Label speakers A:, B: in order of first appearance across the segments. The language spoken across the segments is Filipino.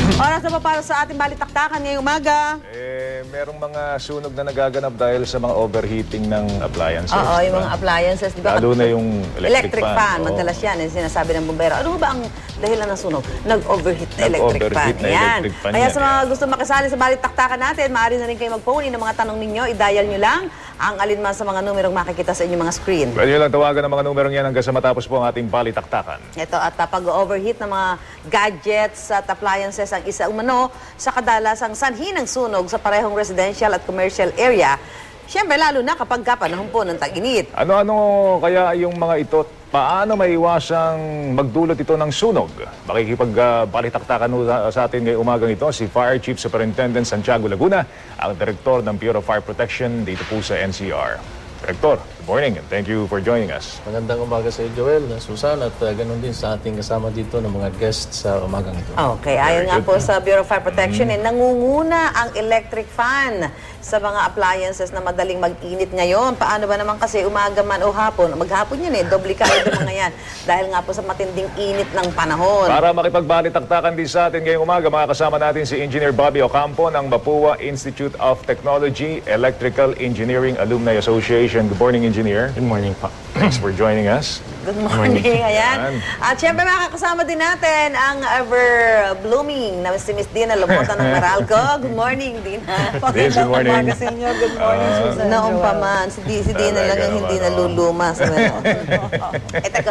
A: Oras na pa para sa ating balitaktakan ngayong umaga.
B: Merong mga sunog na nagaganap dahil sa mga overheating ng appliances.
A: Oo, yung mga appliances, di ba?
B: Lalo na yung electric fan.
A: Madalas yan, yung sinasabi ng bumbero. Ano ba ang dahilan ng sunog? Nag-overheat na electric fan. Yan. Kaya sa mga gusto makisali sa balitaktakan natin, maaari na rin kayo mag-phone in ng mga tanong ninyo. I-dial nyo lang ang alinman sa mga numerong makikita sa inyong mga screen.
B: Pwede nyo lang tawagan ang mga numerong yan hanggang sa matapos po ang ating balitaktakan.
A: Ito, at pag-overheat ng mga gadgets at appliances ang isa umano sa kadalasang sanhi ng sunog sa parehong residential at commercial area. Siyempre, lalo na kapag panahon po ng tag-init.
B: Ano-ano kaya yung mga ito? Paano maiwasang magdulot ito ng sunog? Makikipag-balitaktakan sa atin ngayong umagang ito si Fire Chief Superintendent Santiago Laguna, ang Direktor ng Bureau of Fire Protection dito po sa NCR. Director, good morning and thank you for joining us.
C: Magandang umaga sa iyo, Joel, Susan, at ganoon din sa ating kasama dito ng mga guests sa umagang ito.
A: Okay, ayon nga po sa Bureau of Fire Protection, nangunguna ang electric fan sa mga appliances na madaling mag-init ngayon. Paano ba naman kasi umaga man o hapon? Maghapon yun dublikado yung mga yan. Dahil nga po sa matinding init ng panahon.
B: Para makipagbalitaktakan din sa atin ngayong umaga, makakasama natin si Engineer Bobby Ocampo ng Mapua Institute of Technology Electrical Engineering Alumni Association. Good morning, Engineer.
D: Good morning po.
B: Thanks for joining us.
A: Good morning. Ayan. At syempre makakasama din natin ang ever-blooming na si Miss Dina Lobota ng Meralco. Good morning, Dina.
B: Good morning.
E: Umaga sa inyo. Good morning, Susan.
A: Noong pa man, si Dina lang yung hindi naluluma sa meron. Teka,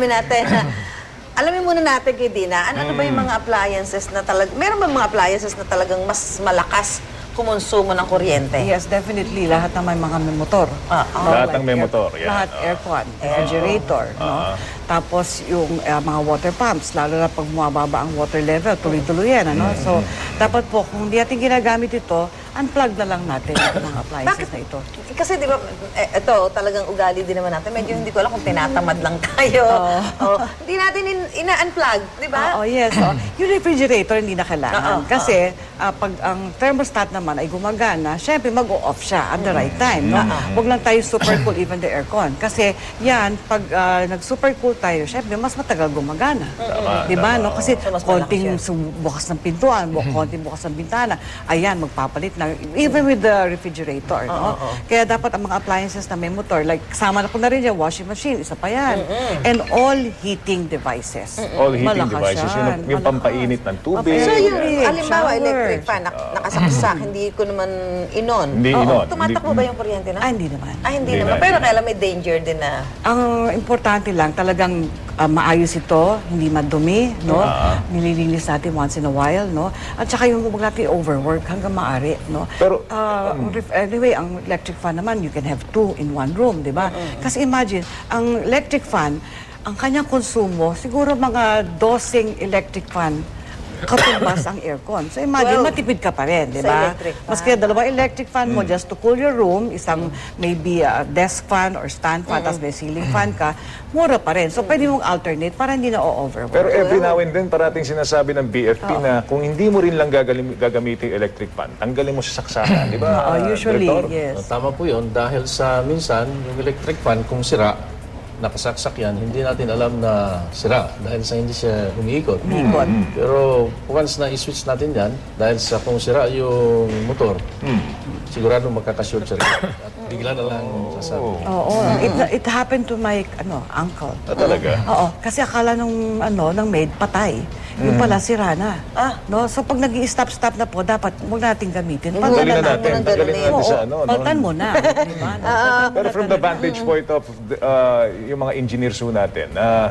A: alamin muna natin kay Dina, ano ba yung mga appliances na meron ba mga appliances na talagang mas malakas kumonsumo ng kuryente?
E: Yes, definitely. Lahat naman mga may motor.
B: Lahat ng may motor, yan.
E: Lahat aircon, refrigerator. No? Tapos yung mga water pumps, lalo na pag bumababa ang water level, tuloy-tuloy yan. Ano? So, dapat po, kung hindi natin ginagamit ito, unplug na lang natin ang mga appliances na ito.
A: Kasi di ba, ito talagang ugali din naman natin. Medyo hindi ko alam kung tinatamad lang tayo. Hindi natin ina-unplug, di ba?
E: Yes. Yung refrigerator, hindi na kailangan. Kasi pag ang thermostat naman ay gumagana, syempre mag-o-off siya at the right time. No? Huwag lang tayo super cool, even the aircon. Kasi yan, pag nag-super cool tayo, syempre mas matagal gumagana. Diba? No? Kasi konting bukas ng pintuan, konting bukas ng bintana, ayan, magpapalit na. Even with the refrigerator. No? Kaya dapat ang mga appliances na may motor, like kasama na po na rin yung washing machine, isa pa yan. And all heating devices.
B: All heating
E: Malakas
B: devices,
E: yan.
B: yung pampainit ng tubig.
A: So yung, halimbawa, electric fan, nakasaksak, hindi ko naman inon.
B: Hindi inon.
A: Tumatakbo ba yung kuryente na?
E: Hindi naman.
A: Hindi naman. Pero kailan may danger din na.
E: Ang importante lang, talagang maayos ito, hindi madumi, no? Nililinis natin once in a while, no? At saka yung huwag natin overwork hanggang maaari, no?
B: Pero,
E: anyway, ang electric fan naman, you can have 2 in 1 room, di ba? Kasi imagine, ang electric fan, ang kanyang konsumo, siguro mga 12 electric fan katumbas ang aircon. So imagine, matipid ka pa rin, di ba? Mas kaya dalawang electric fan mo just to cool your room, isang maybe desk fan or stand fan, tapos may ceiling fan ka, mura pa rin. So pwede mong alternate para hindi na o-overwork.
B: Pero every now and then, parating sinasabi ng BFP na kung hindi mo rin lang gagamitin electric fan, tanggalin mo sa saksakan, di ba?
E: Usually,
B: Director?
E: yes.
C: Tama po yun dahil sa minsan, yung electric fan, kung sira, nakasaksak yan, hindi natin alam na sira dahil sa hindi siya umiikot. Pero once na i-switch natin yan, dahil sa kung sira yung motor, sigurado magkaka-short circuit at bigla na lang sasabi.
E: It happened to my uncle.
B: Talaga?
E: Oo, kasi akala nung maid patay. Yung pala sira na. No? So pag nag-i-stop-stop na po, dapat huwag natin gamitin.
B: Tanggalin na natin. Tanggalin na natin sa
E: Paltan mo na. Diba?
B: Pero from the vantage point of yung mga engineers natin,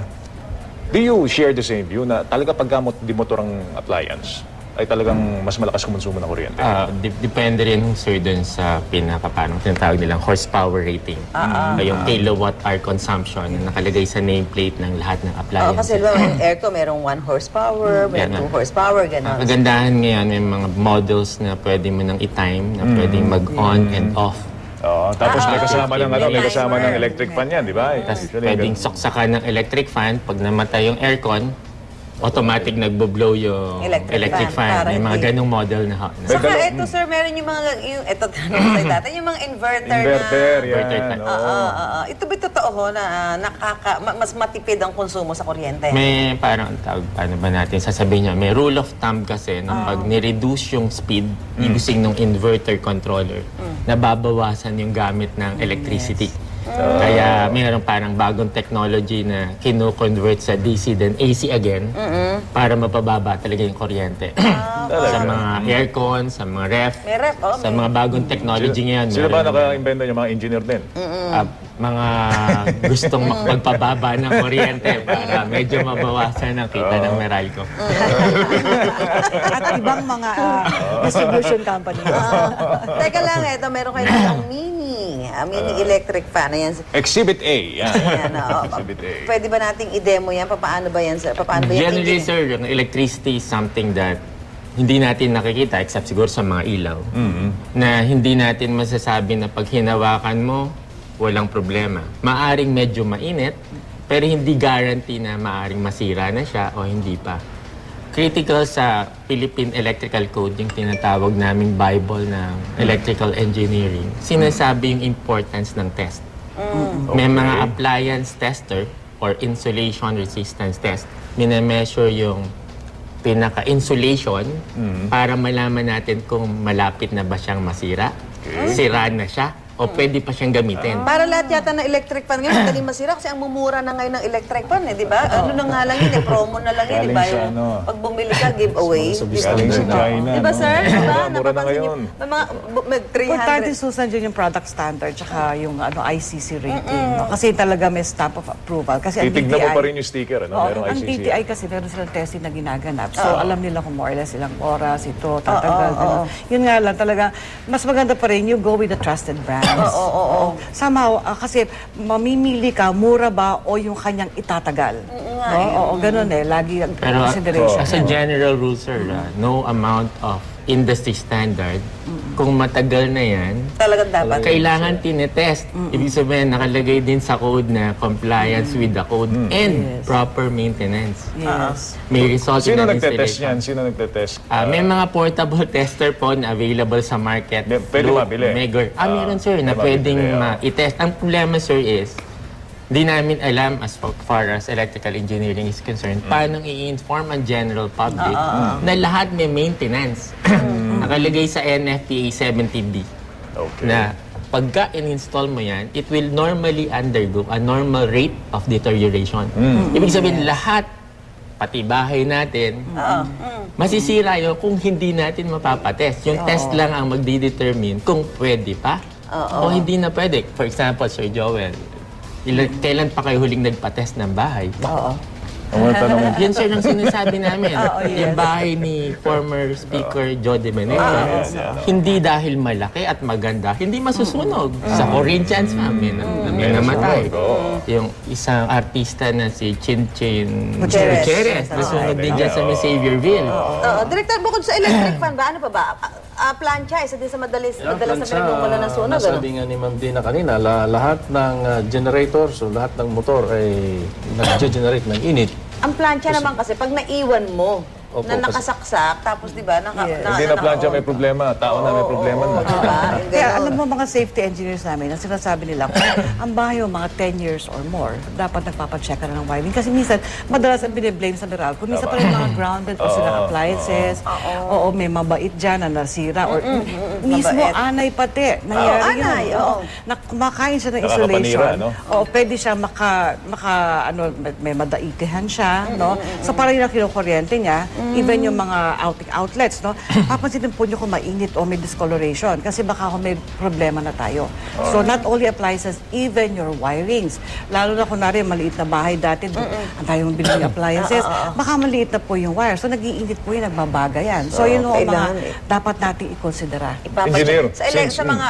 B: do you share the same view na talaga paggamot di motor ang appliance ay talagang mas malakas kumonsumo ng kuryente?
D: Depende rin, sir, dun sa pinakapanong tinatawag nilang horsepower rating. Yung kilowatt-hour consumption na nakalagay sa nameplate ng lahat ng appliances.
A: Kasi yung aircon, merong 1 horsepower, may 2 horsepower, gano'n.
D: Kagandahan ngayon, may mga models na pwede mo nang i-time, na pwedeng mag-on and off.
B: Tapos may kasama ng electric fan yan, di ba?
D: Tapos pwedeng saksakan ng electric fan. Pag namatay yung aircon, automatic nagbo-blow yung
A: Electric
D: electric
A: fan,
D: fan.
A: para
D: May mga
A: hindi-
D: ganong model na.
A: Saka ito, sir, meron yung mga, ito tanong tayo dati, yung mga inverter,
B: Inverter,
A: na...
D: Inverter
B: yan.
D: type.
B: oo.
A: Ito ba totoo ho na mas matipid ang konsumo sa kuryente?
D: May parang tawag, paano ba natin sasabihin niya, may rule of thumb kasi nung pag ni-reduce yung speed using ng inverter controller, nababawasan yung gamit ng electricity. Kaya mayroong parang bagong technology na kino-convert sa DC then AC again para mapababa talaga yung kuryente. Sa mga aircon, sa mga ref,
A: May ref,
D: sa mga bagong technology ngayon.
B: Sila ba
D: meron
B: naka-invento yung mga engineer din?
D: mga gustong magpababa ng kuryente para medyo mabawasan ang kita ng Meralco.
E: At ibang mga distribution company.
A: Teka lang, ito, meron kayo ng mini electric fan. Ayan.
B: Exhibit A. Yan.
A: Ayan, oo.
B: Exhibit A.
A: Pwede ba nating i-demo yan? Paano ba yan, sir? Paano ba yan?
D: Generally, sir, yung electricity is something that hindi natin nakikita except siguro sa mga ilaw. Na hindi natin masasabi na pag hinawakan mo, walang problema. Maaring medyo mainit, pero hindi guarantee na maaring masira na siya o hindi pa. Critical sa Philippine Electrical Code, yung tinatawag naming Bible ng Electrical Engineering, sinasabi yung importance ng test. May mga appliance tester or insulation resistance test. Minemeasure yung pinaka-insulation para malaman natin kung malapit na ba siyang masira, sira na siya, o pwede pa siyang gamitin.
A: Para lahat yata ng electric fan ngayon, madaling masira kasi ang mumura na ngayon ng electric fan, di ba? Ano na nga lang yun, promo na lang yun, di ba?
B: Galing sa
A: Yung
B: ano.
A: pag bumili ka, giveaway.
B: Galing sa China.
A: Di ba,
B: no?
A: sir? Di ba?
B: Mura na
A: Napapansin
B: ngayon.
A: niyo, may mga may
E: Importante
A: 300.
E: susan dyan yung product standard tsaka yung ICC rating. No? Kasi talaga may stamp of approval. Kasi ang
B: Titignan mo
E: DTI
B: pa rin yung sticker. Ano?
E: Oo,
B: Merong
E: ang
B: ICC.
E: DTI kasi meron silang testing na ginaganap. So, alam nila kung more or less ilang oras ito, tatagal. ganun. Yun nga lang, talaga, mas maganda pa rin you go with the trusted brands. Somehow, kasi mamimili ka, mura ba o yung kanyang itatagal. Oo, ganun eh. Lagi ang
D: Pero
E: consideration.
D: as a general rule, sir, no amount of industry standard, kung matagal na yan,
A: Talagang dapat.
D: kailangan tinetest. Ibig sabihin, nakalagay din sa code na compliance with the code and proper maintenance.
E: Yes.
D: May result
B: Sino
D: in an
B: nagtetest
D: installation.
B: yan? Sino nagtetest?
D: May mga portable tester po na available sa market.
B: Pwede
D: through
B: mabili?
D: Megor. Meron, sir, na
B: mabili,
D: pwedeng
B: oo.
D: i-test. Ang problema, sir, is di namin alam as far as electrical engineering is concerned, paano i-inform ang general public na lahat may maintenance. Nakalagay sa NFPA 70B
B: Okay.
D: na pagka in-install mo yan, it will normally undergo a normal rate of deterioration. Ibig sabihin, lahat, pati bahay natin, masisira yun kung hindi natin mapapatest. Yung test lang ang magdi-determine kung pwede pa o hindi na pwede. For example, Sir Joel, kailan pa kayo huling nagpa-test ng bahay?
B: Ang mga tanong mo.
D: Yan, sir, ang sinasabi namin. Yung bahay ni former Speaker Joe De Menezes, hindi dahil malaki at maganda, hindi masusunog. Sa Corinthians, may namatay. Yung isang artista na si Chin Gutierrez, nasunog din dyan sa Saviorville.
A: Director, bukod sa electric fan ba, ano pa ba? Plancha, isa din sa madalas na pinagmumula ng sunog. Ano?
C: Nasabi nga ni Ma'am Dina kanina, lahat ng generators o lahat ng motor ay nag-generate ng init.
A: Ang plancha naman kasi, pag naiwan mo,
C: Opo,
A: na
C: kasi-
A: nakasaksak, tapos di ba,
B: Hindi na plancha may problema. Tao na may problema na.
E: Kaya alam mo mga safety engineers namin, ang sinasabi nila, kung ang bahay mo mga 10 years or more, dapat nagpapacheck ka na ng wiring. Kasi minsan, madalas ang biniblame sa Meralco. Minsan pa rin mga grounded pa silang appliances. Oo, may mabait dyan na nasira. Or mismo
A: Mabait.
E: anay pati. Nangyari
A: anay,
E: yun.
A: oo.
E: Na kumakain siya ng
B: Nakakapanira,
E: isolation.
B: no?
E: Oo, pwede siya may madaitihan siya. No? So parang yung kinukuryente niya, even yung mga outlets, no? Papansinin po nyo kung mainit o may discoloration kasi baka kung may problema na tayo. So not only appliances, even your wirings. Lalo na kunwari maliit na bahay dati, ang tayong bilang appliances, baka maliit na po yung wire. So nag-iinit po yun, nagbabaga yan. So yun ang
A: kailangan
E: mga dapat natin i-considera.
B: Engineer.
A: Sa mga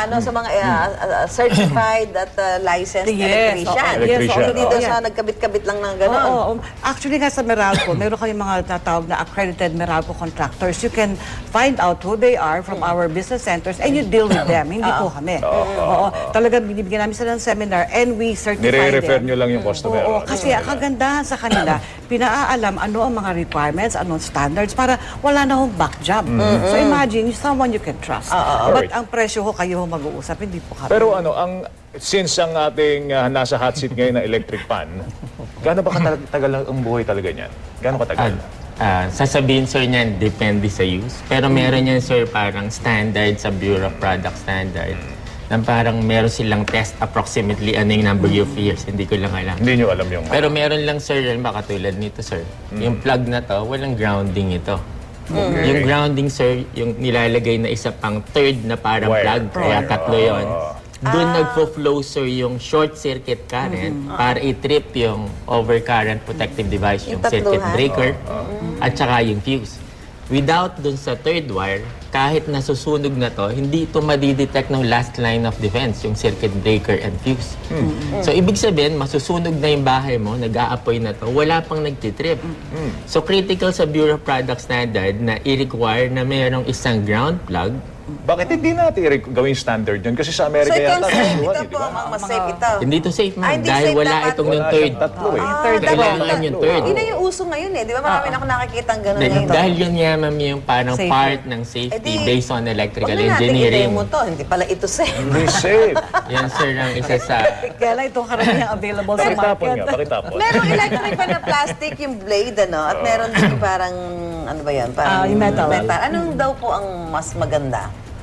A: certified at licensed
E: Yes,
A: electrician.
E: oo.
B: Electrician,
A: Hindi
E: oo.
A: doon
E: Yeah.
A: sa nagkabit-kabit lang ng gano'n.
E: Oo. Actually nga sa Meralco, meron kami mga natawag na accredited accredited Meralco contractors. You can find out who they are from our business centers and you deal with them. Hindi po kami. Oo. Talagang binibigyan namin sila ng seminar and we certify
B: Nire-refer
E: them.
B: nyo lang yung customer.
E: Oo, kasi ang kagandahan sa kanila, pinaalam ano ang mga requirements, ano ang standards, para wala na hong back job. So imagine, someone you can trust. But
B: Alright.
E: ang presyo ho, kayo ho mag-uusap, hindi po kami.
B: Pero since ang ating nasa hot seat ngayon na electric fan, gaano ba katagal ang buhay talaga niyan? Gaano katagal?
D: Sasabihin, sir, niyan, depende sa use. Pero meron yan, sir, parang standard sa Bureau of Product Standard. Na parang meron silang test approximately ano yung number of years. Hindi ko lang alam.
B: Hindi nyo alam yung...
D: Pero meron lang, sir, yan ba katulad nito, sir. Yung plug na to, walang grounding ito. Yung grounding, sir, yung nilalagay na isa pang third na parang
B: Wire.
D: plug, kaya tatlo yun. Doon nagpo-flow, sir, yung short circuit current para i-trip yung overcurrent protective device, yung
A: Yung
D: circuit
A: tatluhan.
D: breaker, at saka yung fuse. Without dun sa third wire, kahit nasusunog na to, hindi ito madidetect ng last line of defense, yung circuit breaker and fuse. So, ibig sabihin, masusunog na yung bahay mo, nag-aapoy na to, wala pang nagtitrip. So, critical sa Bureau of Product Standard na i-require na mayroong isang ground plug.
B: Bakit hindi natin gawing standard yun? Kasi sa
A: So
B: Amerika
A: ito ang
B: yata,
A: safe,
B: nasuhan,
A: ito
B: di
A: po
B: ba?
A: ang mas safe ito.
D: Hindi to safe, ma'am.
A: hindi
D: Dahil
A: safe
D: wala
A: dapat.
D: itong yung
B: Wala
D: third.
B: siyang tatlo eh.
D: Kailangan yung third.
A: Yun na yung uso ngayon eh. Di ba marami na ako nakikita ang gano'n ngayon.
D: Dahil yun nga, ma'am, yung parang
E: Safer.
D: part ng safety
A: Eh di,
D: based on electrical
A: Huwag na natin
D: engineering.
A: i-demo to. Hindi pala ito safe.
B: Hindi safe.
D: Yan, sir, ang isa sa...
E: Kaya lang itong karamihan available sa
B: Pakitapon
E: market.
B: nga, pakitapon.
A: Merong electric pa na plastic yung blade, ano? At meron din yung parang, ano ba yan? Parang
E: Yung metal.
A: Anong daw po ang mas maganda?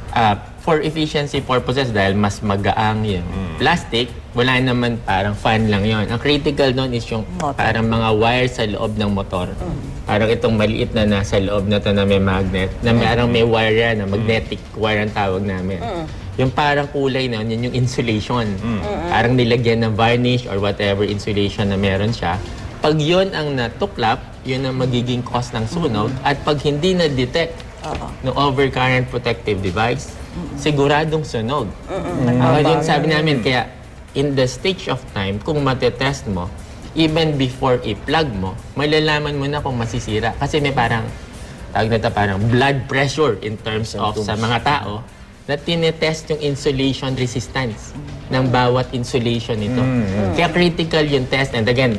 D: For efficiency purposes, dahil mas magaang yung plastic, wala naman parang fan lang yon. Ang critical doon is yung
E: Motor.
D: parang mga wire sa loob ng motor. Parang itong maliit na nasa loob na to na may magnet, na parang may wire yan, na magnetic wire ang tawag namin. Yung parang kulay na yun yung insulation. Parang nilagyan ng varnish or whatever insulation na meron siya. Pag yun ang natuklap, yun ang magiging cause ng sunog. At pag hindi na-detect ng overcurrent protective device, siguradong sunog. Yun sabi namin, kaya in the stage of time, kung matetest mo, even before i-plug mo, malalaman mo na kung masisira. Kasi may parang, tawag na ito, parang blood pressure in terms of sa mga tao na tinetest yung insulation resistance ng bawat insulation nito. Kaya critical yung test. And again,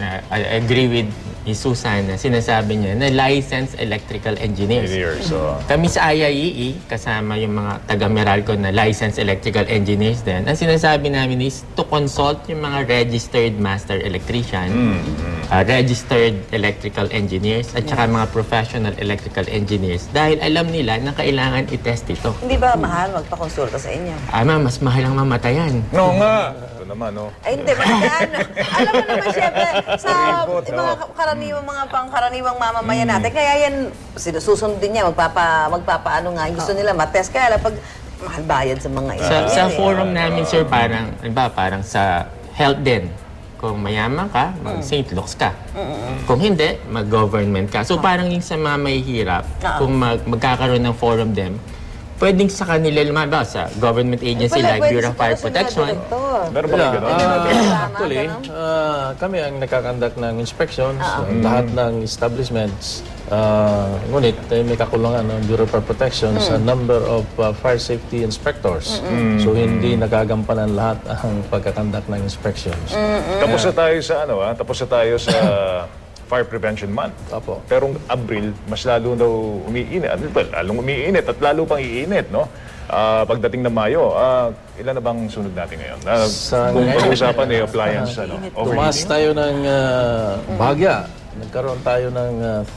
D: I agree with Susan na sinasabi niya na licensed electrical engineers. Kami sa IIEE, kasama yung mga taga-Meralco na licensed electrical engineers din, ang sinasabi namin is to consult yung mga registered master electrician, registered electrical engineers, at saka mga professional electrical engineers dahil alam nila na kailangan i-test ito.
A: Hindi ba mahal magpakonsulta sa inyo?
D: Mas mahal ang mamatayan.
B: No nga. Ito naman, no?
A: Ay, hindi. Magkano? Alam mo naman, syempre, sa
B: Palibot,
A: mga mga pangkaraniwang mamamayan natin, kaya yan, susundin niya, magpapaano nga, gusto nila matest. Kaya lang, pag mahal bayad sa mga
D: Sa forum namin, sir, parang sa health din. Kung mayaman ka, mag-St. Luke's ka. Kung hindi, mag-government ka. So parang yung sa mga mahihirap, kung magkakaroon ng forum din, pwedeng sa kanila lumabas sa government agency like Bureau of Fire Protection.
B: Meron ba kayo gano'n?
C: Actually, kami ang nakakandak ng inspections, lahat ng establishments. Ngunit may kakulangan ng Bureau of Fire Protection sa number of fire safety inspectors. So hindi nagagampanan lahat ang pagkakandak ng inspections.
B: Tapos na tayo sa tapos na tayo sa Fire Prevention Month.
C: Opo.
B: Pero Abril, mas lalo daw umiinit. Lalong umiinit at lalo pang iinit, no? Pagdating ng Mayo, ilan na bang sunod natin ngayon? Kung pag-usapan eh, appliance,
C: Tumaas tayo ng bahagya. Nagkaroon tayo ng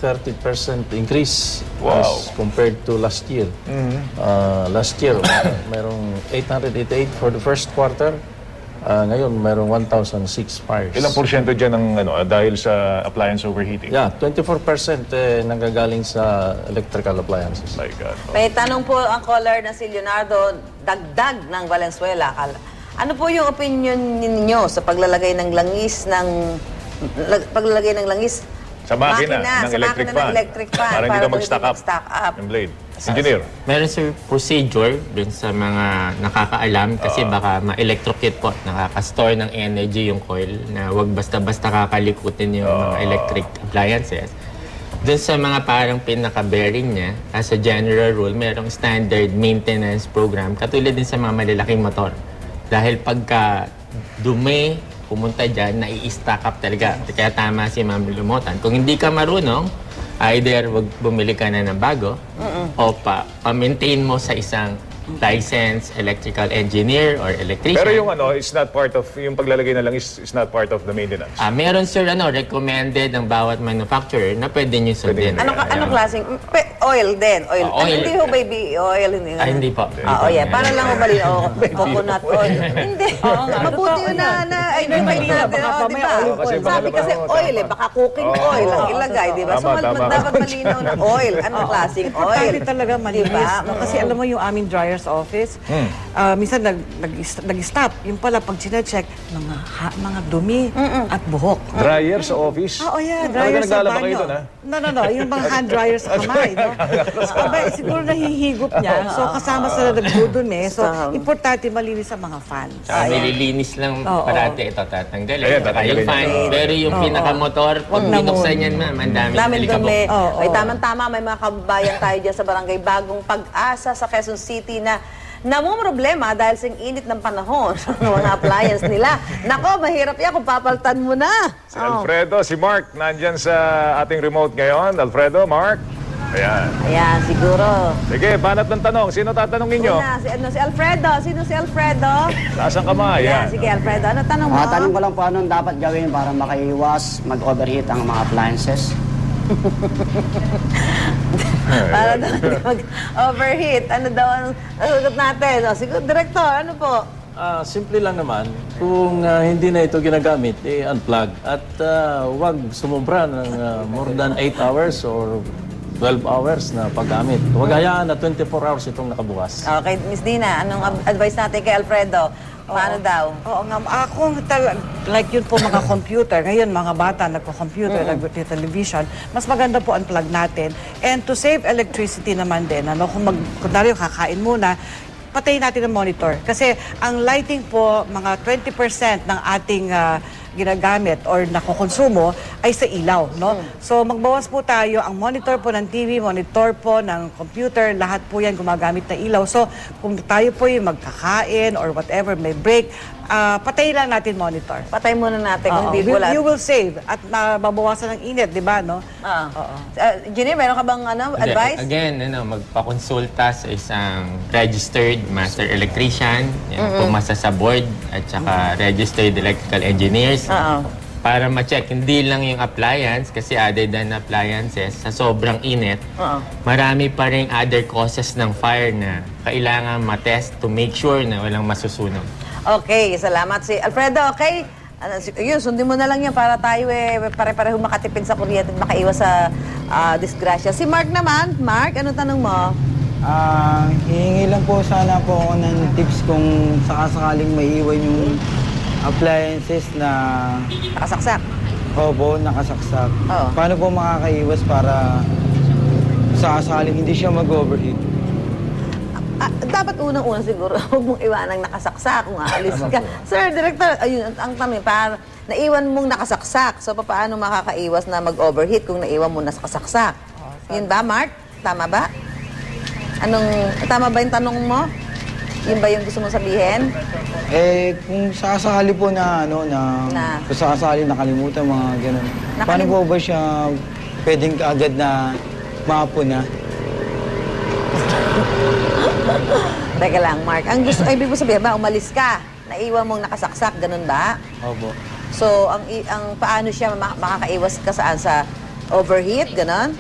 C: 30% increase as compared to last year. Last year, mayroong 888 for the first quarter. Ngayon, mayroong 1,006 fires.
B: Ilang porsyento dyan ng, dahil sa appliance overheating?
C: Yeah, 24% nanggagaling sa electrical appliances.
B: My God. No?
A: May tanong po ang caller na si Leonardo Dagdag ng Valenzuela. Ano po yung opinion ninyo sa paglalagay ng langis
B: Sa makina ng electric fan. Para hindi daw mag-stack up yung blade. Engineer.
D: Meron sir procedure dun sa mga nakakaalam kasi baka ma-electrocute po, nakaka-store ng energy yung coil na wag basta-basta kakalikutin yung mga electric appliances. Doon sa mga parang pinaka-bearing niya, as a general rule, merong standard maintenance program, katulad din sa mga malalaking motor. Dahil pagka dumi, pumunta dyan, nai-stack up talaga. Kaya tama si Ma'am Lumutan. Kung hindi ka marunong, either wag bumili ka na ng bago, o pa-maintain mo sa isang licensed electrical engineer or electrician.
B: Pero yung is not part of, yung paglalagay na lang is not part of the maintenance.
D: Meron sir, recommended ng bawat manufacturer na pwede nyo sundin.
A: Ano klaseng? Oil din. Oil.
D: Oil.
A: Hindi ho baby oil.
D: Hindi po.
A: Para lang ho bali. Coconut oil. Hindi. Mabuti yun na i-remind natin. Di ba? Sabi kasi oil baka cooking oil ang ilagay. Di ba? So dapat malinaw na oil. Anong klaseng oil?
E: Importante talaga malinis. No? Kasi alam mo yung aming dryer's office, minsan nag-stop. Yung pala, pag sinecheck, mga dumi at buhok.
B: Dryer sa office?
E: Oo, yeah. Dryer sa
B: naglalaba kayo
E: banyo.
B: doon, ha?
E: No. Yung mga hand dryer sa kamay. No? Siguro nahihigop niya. So, kasama sila nagdudumi. So, importante malinis sa mga fans.
D: Nililinis lang parati ito tatanggalin.
B: Ayan,
D: Saka yung fan. Pero yung pinakamotor, pag binuksan yan ma'am, ang daming
A: dumi.
D: alikabok.
A: Ay, tamang-tama, may mga kababayan tayo dyan sa barangay Bagong Pag-asa sa Quezon City na namumroblema dahil sa init ng panahon ng mga appliance nila. Nako, mahirap yan kung papaltan mo na.
B: Si Alfredo, si Mark, nandyan sa ating remote ngayon. Alfredo, Mark. Ayan.
A: Ayan, siguro.
B: Sige, banat ng tanong. Sino tatanungin nyo?
A: Una, si Alfredo. Sino si Alfredo?
B: Taas ang kamay.
A: Ayan,
B: Ayan.
A: sige Alfredo. Ano tanong mo?
F: Tanong ko lang po anong dapat gawin para makaiwas mag-overheat ang mga appliances.
A: Para daw hindi mag-overheat. Ano daw ang sagot natin? Siguro, Director, ano po?
C: Simple lang naman, kung hindi na ito ginagamit, unplug. At wag sumubra ng more than 8 hours or 12 hours na paggamit. Huwag hayaan na 24 hours itong nakabukas.
A: Okay, Miss Dina, anong advice natin kay Alfredo? Paano daw?
E: Oo nga, like yun po mga computer, ngayon mga bata nagko-computer, nagko-television, mas maganda po unplug natin. And to save electricity naman din, kung kunwari kakain muna, patayin natin ang monitor. Kasi ang lighting po, mga 20% ng ating ginagamit or nakokonsumo ay sa ilaw, no? So magbawas po tayo, ang monitor po ng TV, monitor po ng computer, lahat po yan gumagamit na ilaw. So kung tayo po yung magkakain or whatever, may break, patayin lang natin monitor.
A: Patay muna natin kung hindi wala.
E: You will save at mababawasan ng init, di ba, no?
A: Jenny, meron ka bang advice?
D: Again, magpakonsulta sa isang registered master electrician, pumasa sa board, at saka registered electrical engineers. Para ma-check, hindi lang yung appliance, kasi other than appliances, sa sobrang init, marami pa rin other causes ng fire na kailangan ma-test to make sure na walang masusunog.
A: Okay, salamat si Alfredo. Okay, yun, sundin mo na lang yan para tayo pare-pareho makatipid sa kuryente at makaiwas sa disgrasya. Si Mark naman, Mark, anong tanong mo?
G: Hihingi lang po sana po ako ng tips kung sakasakaling maiiwan yung appliances na
A: Nakasaksak.
G: opo, nakasaksak.
A: Oo.
G: Paano po makakaiwas para sakasakaling hindi siya mag-overheat?
A: Dapat unang-una siguro, huwag mong iwanang nakasaksak kung aalis ka. Sir, Director, ayun, ang tanong, para naiwan mong nakasaksak, so paano makakaiwas na mag-overheat kung naiwan mo nakasaksak? Yun ba, Mark? Tama ba? Tama ba yung tanong mo? Yun ba yung gusto mong sabihin?
G: Kung sakasakali po na kung sakasakali nakalimutan mga ganun. Paano po ba siya pwedeng kaagad na maapuna?
A: Teka lang, Mark. Ang gusto, ibig mo sabihin ba, umalis ka, naiwan mong nakasaksak, ganun ba?
G: Opo.
A: So, ang paano siya makakaiwas ka saan? Sa overheat, ganun?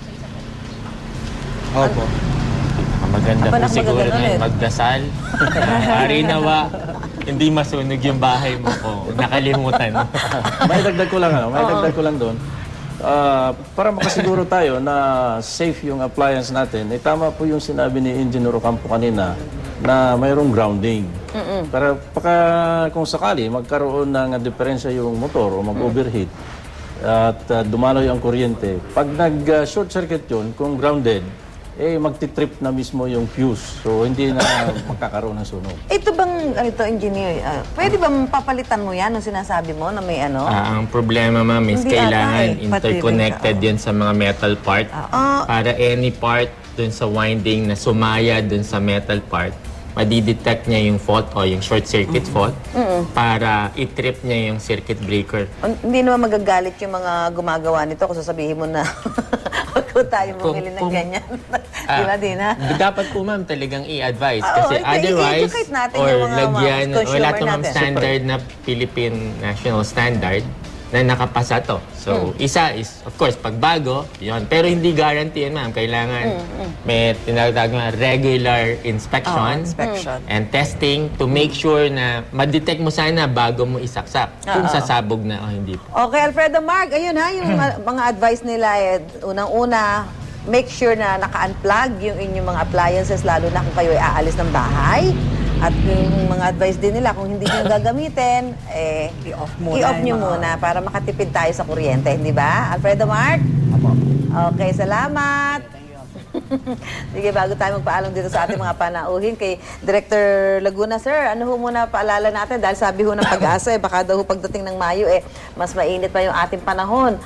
G: Opo.
D: Maganda po
A: Abanak
D: siguro
A: maganda
D: na
A: eh.
D: magdasal. Pari nawa, hindi masunog yung bahay mo kung nakalimutan.
C: May dagdag ko lang doon. Para makasiguro tayo na safe yung appliance natin, tama po yung sinabi ni Engineer Ocampo kanina na mayroong grounding. Para kung sakali magkaroon ng diferensya yung motor o mag-overheat at dumaloy ang kuryente, pag nag-short circuit yun, kung grounded, magtitrip na mismo yung fuse. So, hindi na magkakaroon ng sunog.
A: Ito bang ganito, engineer, pwede ba papalitan mo yan nung sinasabi mo na may ano?
D: Ang problema, ma'am, is
A: Hindi
D: kailangan
A: ata
D: interconnected yan sa mga metal part. Para any part dun sa winding na sumaya dun sa metal part, madidetect niya yung fault o yung short circuit fault para i-trip niya yung circuit breaker.
A: Hindi naman magagalit yung mga gumagawa nito kung sasabihin mo na huwag ko tayo bumili ng ganyan. Di ba, Dina?
D: Dapat po, ma'am, talagang i-advise.
A: Oo,
D: Kasi otherwise,
A: i-educate natin
D: or
A: yung mga
D: lagyan,
A: consumer
D: wala to, ma'am,
A: natin.
D: standard na Philippine National Standard na nakapasa to. So, isa is, of course, pagbago, yon. Pero hindi guarantee yan, ma'am. Kailangan may tinatawag na regular inspection, and testing to make sure na ma-detect mo sana bago mo isaksak. Kung sasabog na o hindi po.
A: Okay, Alfredo Mark, ayun ha, yung mga advice nila, unang-una, make sure na naka-unplug yung inyong mga appliances, lalo na kung kayo ay aalis ng bahay. At yung mga advice din nila, kung hindi nyo gagamitin,
E: I-off
A: nyo muna para makatipid tayo sa kuryente, hindi ba? Alfredo Mark?
F: Apo.
A: Okay, salamat. Sige, bago tayo magpaalam dito sa ating mga panauhin kay Director Laguna, sir, ano ho muna paalala natin? Dahil sabi ho ng Pag-asa, baka daw ho pagdating ng Mayo, mas mainit pa yung ating panahon.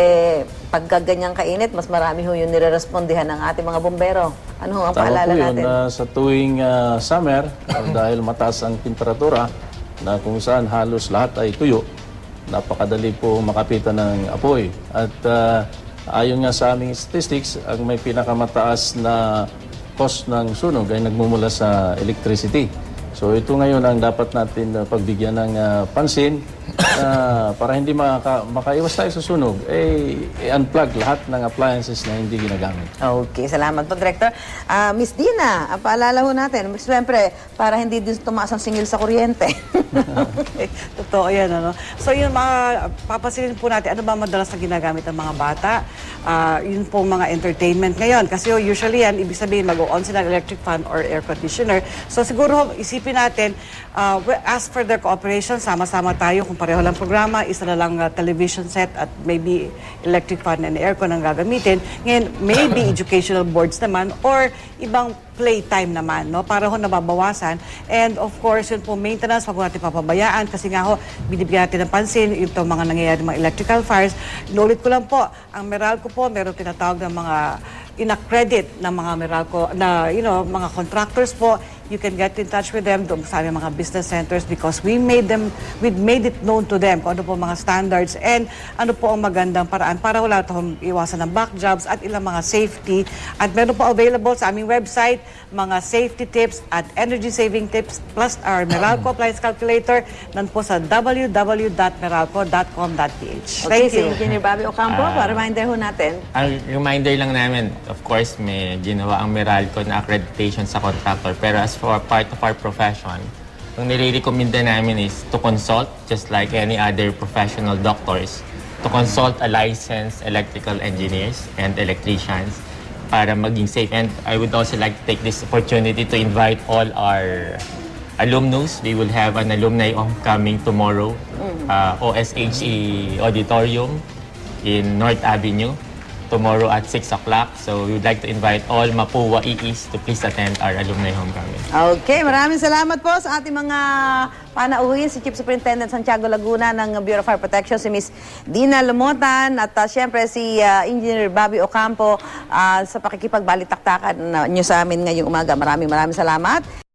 A: Pagka ganyang kainit, mas marami ho yung nire-respondihan ng ating mga bumbero. Ano ho ang paalala
C: Tama po
A: natin?
C: yun, sa tuwing summer, dahil mataas ang temperatura, na kung saan halos lahat ay tuyo, napakadali po makapitan ng apoy. At ayon nga sa aming statistics, ang may pinakamataas na cost ng sunog ay nagmumula sa electricity. So ito ngayon ang dapat natin pagbigyan ng pansin para hindi makaiwas tayo sa sunog, i-unplug lahat ng appliances na hindi ginagamit.
A: Okay, salamat po, Director. Miss Dina, paalala ho natin, siyempre, para hindi din tumaas ang singil sa kuryente.
E: Okay. Totoo yan, ano? So, yun, papasilin po natin, ano ba madalas na ginagamit ng mga bata? Yun po mga entertainment ngayon. Kasi usually yan, ibig sabihin, mag-on sila ng electric fan or air conditioner. So, siguro, isipin natin, ask for their cooperation, sama-sama tayo, kung pareho lang programa, isa na lang television set at maybe electric fan and aircon ang gagamitin. Ngayon, maybe educational boards naman or ibang playtime naman, no? Para ho nababawasan. And of course, yun po, maintenance, wag po natin papabayaan kasi nga ho, binibigyan natin ng pansin ito mga nangyayari mga electrical fires. Inulit ko lang po, ang Meralco po, meron tinatawag ng mga ina-credit ng mga Meralco na, mga contractors po. You can get in touch with them doon sa aming mga business centers because we made it known to them kung ano po mga standards and ano po ang magandang paraan para wala tayong iwasan ng back jobs at ilang mga safety. At meron po available sa aming website mga safety tips at energy saving tips plus our Meralco Appliance Calculator nan po sa www.meralco.com.ph.
A: Okay, si Engineer Bobby Ocampo, reminder ho natin.
D: Ang reminder lang namin, of course, may ginawa ang Meralco na accreditation sa contractor. Pero as for part of our profession, ang nire-recommenda namin is to consult, just like any other professional doctors, to consult a licensed electrical engineers and electricians para maging safe. And I would also like to take this opportunity to invite all our alumnus. We will have an alumni homecoming tomorrow, OSHE Auditorium in North Avenue, tomorrow at 6 o'clock. So we would like to invite all Mapua EEs to please attend our alumni homecoming.
A: Okay, maraming salamat po sa ating mga panauhin, si Chief Superintendent Santiago Laguna ng Bureau of Fire Protection, si Miss Dina Lamotan, at siyempre si Engineer Bobby Ocampo sa pakikipagbalitaktakan nyo sa amin ngayong umaga. Maraming salamat.